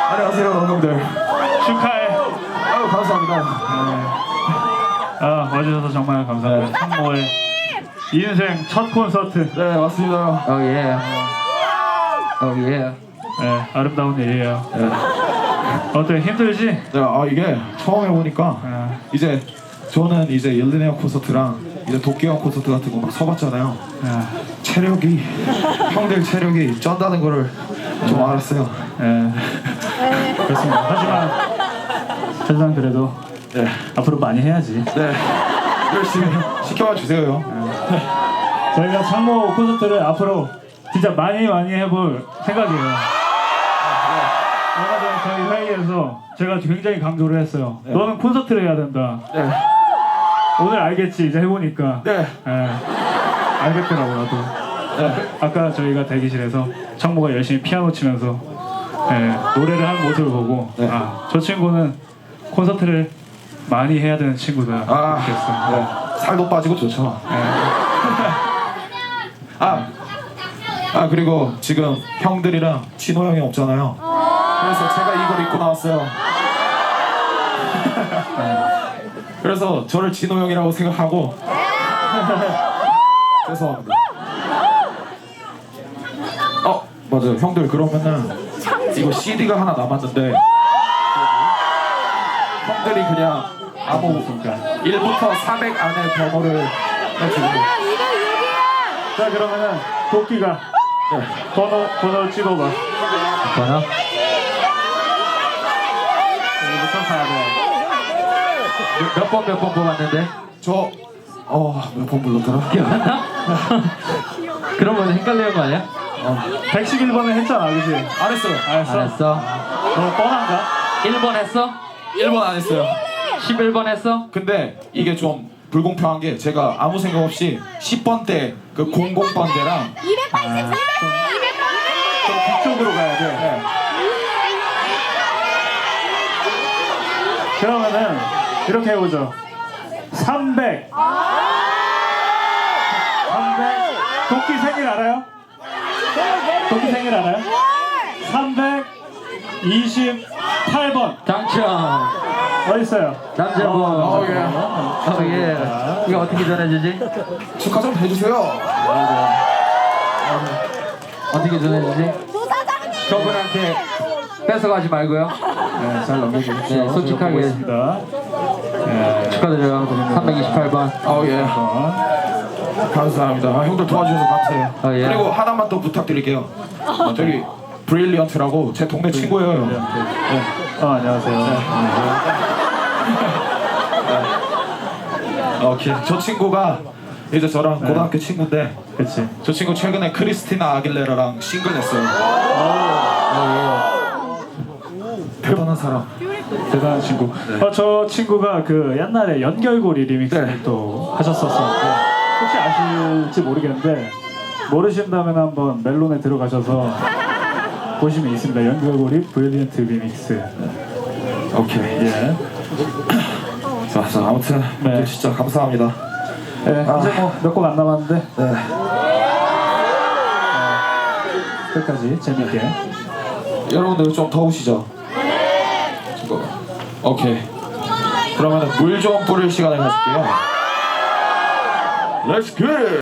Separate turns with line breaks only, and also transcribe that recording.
안녕하세요, 형들.
축하해.
아유, 감사합니다.
아, 와주셔서 정말 감사합니다. 창모의 인생 첫 콘서트.
네, 맞습니다.
예. 예.
네, 아름다운 일이에요.
네.
어때, 힘들지?
네, 이게 처음 해보니까 이제 저는 이제 일리네어 콘서트랑 이제 도쿄 콘서트 같은 거 막 서봤잖아요. 체력이 형들 체력이 쩐다는 거를 좀 알았어요.
네. 그렇습니다. 하지만 그래도
네,
앞으로 많이 해야지.
네, 열심히 시켜봐 주세요.
저희가 창모 콘서트를 앞으로 진짜 많이 해볼 생각이에요. 얼마 전에 저희 회의에서 제가 굉장히 강조를 했어요.
네.
너는 콘서트를 해야 된다.
네,
오늘 알겠지, 이제 해보니까.
네,
알겠더라고, 나도.
네.
아까 저희가 대기실에서 창모가 열심히 피아노 치면서 노래를 하는 모습을 보고
네.
저 친구는 콘서트를 많이 해야 되는 친구다. 이렇게 했어.
네. 살도 빠지고 좋죠. 그리고 지금 형들이랑 진호 형이 없잖아요. 그래서 제가 이걸 입고 나왔어요. 그래서 저를 진호 형이라고 생각하고 죄송합니다. 맞아요. 형들 그러면은 이거 CD가 하나 남았는데 형들이 그냥 아무 1부터 400 안에 번호를 해주고.
자, 그러면은 도끼가 번호를 찍어봐.
번호?
여기부터 가야 돼.
몇 번 뽑았는데?
저 몇 번 불렀더라?
기억나? 그러면 헷갈리는 거 아니야?
111번을 했잖아, 그치?
안 했어요.
알았어?
알았어.
너 뻔한가?
1번 했어?
1번 안 했어요.
11번 했어?
근데 이게 좀 불공평한 게 제가 아무 생각 없이 10번 때 그 00번 때랑
280, 200번!
좀 뒤쪽으로 가야 돼.
네.
그러면은 이렇게 해보죠. 300. 도끼 생일 알아요? 도끼 생일 알아요? 328번.
당첨!
어딨어요?
남자분. 예. 이거 어떻게 전해주지?
축하 좀 해주세요.
어떻게 전해주지?
조사장님!
저분한테 뺏어가지 말고요.
네, 잘 넘겨주십시오.
네, 솔직하게.
있습니다.
축하드려요. 328번.
예. 감사합니다. 형들 도와주셔서 감사해요.
예.
그리고 하나만 더 부탁드릴게요. 저기 브릴리언트라고 제 동네 친구예요. 네.
안녕하세요.
오케이. 저 친구가 이제 저랑 고등학교 친구인데
그치.
저 친구 최근에 크리스티나 아길레라랑 싱글 냈어요. 대단한 사람.
대단한 친구. 저 친구가 그 옛날에 연결고리 리믹스를
네.
또 하셨었는데 혹시 아실지 모르겠는데 모르신다면 한번 멜론에 들어가셔서 보시면 있습니다. 연결고리 브릴리언트 리믹스.
오케이.
예.
자, 아무튼
네.
진짜 감사합니다.
네, 이제 뭐 몇 곡 안 남았는데
네.
끝까지 재밌게.
여러분들 좀 더우시죠? 오케이. 그러면 물 좀 뿌릴 시간을 가질게요. Let's get it!